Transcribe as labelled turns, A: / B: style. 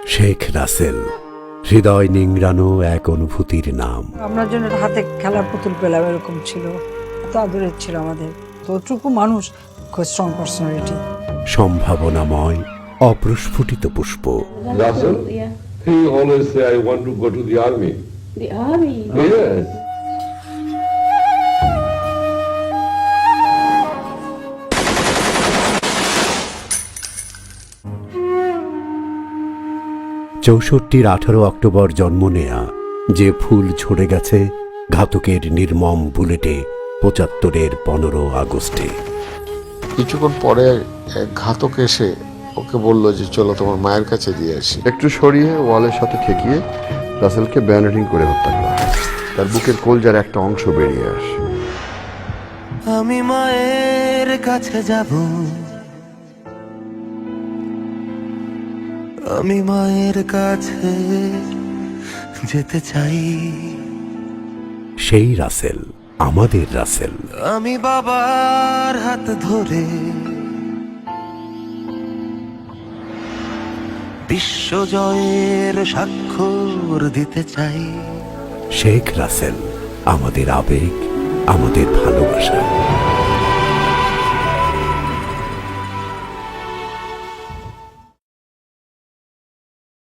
A: শেখ রাসেল, হৃদয় নিংড়ানো এক অনুভূতির নাম।
B: আপনার জন্য হাতে খেলার পুতুল পেলাম, এরকম ছিল, এত আদরের ছিল আমাদের। তোটুকু মানুষ, খুব স্ট্রং পার্সোনালিটি।
A: সম্ভাবনাময় অপ্রস্ফুটিত পুষ্প।
C: Russell?
D: Yeah.
C: He always say, I want to go to the army.
D: The army.
C: Yes.
A: চৌষট্টির 18 অক্টোবর জন্ম নেয়া, যে ফুল ঝরে গেছে ঘাতকের নির্মম বুলেটে 75-এর 15 আগস্টে।
E: কিছুক্ষণ পরে এক ঘাতক এসে ওকে বলল যে চলো তোমার মায়ের কাছে দিয়ে আসি।
F: একটু সরিয়ে ওয়ালের সাথে ঠেকিয়ে রাসেলকে ব্যানারিং করে হত্যা করা হয়। তার বুকের কলজার একটা অংশ বেরিয়ে আসে।
G: আমি মায়ের কাছে যাব, আমি মায়ের কাছে যেতে চাই।
A: সেই রাসেল, আমাদের রাসেল।
G: আমি বাবার হাত ধরে বিশ্বজয়ের স্বাক্ষর দিতে চাই।
A: শেখ রাসেল, আমাদের আবেগ, আমাদের ভালোবাসা।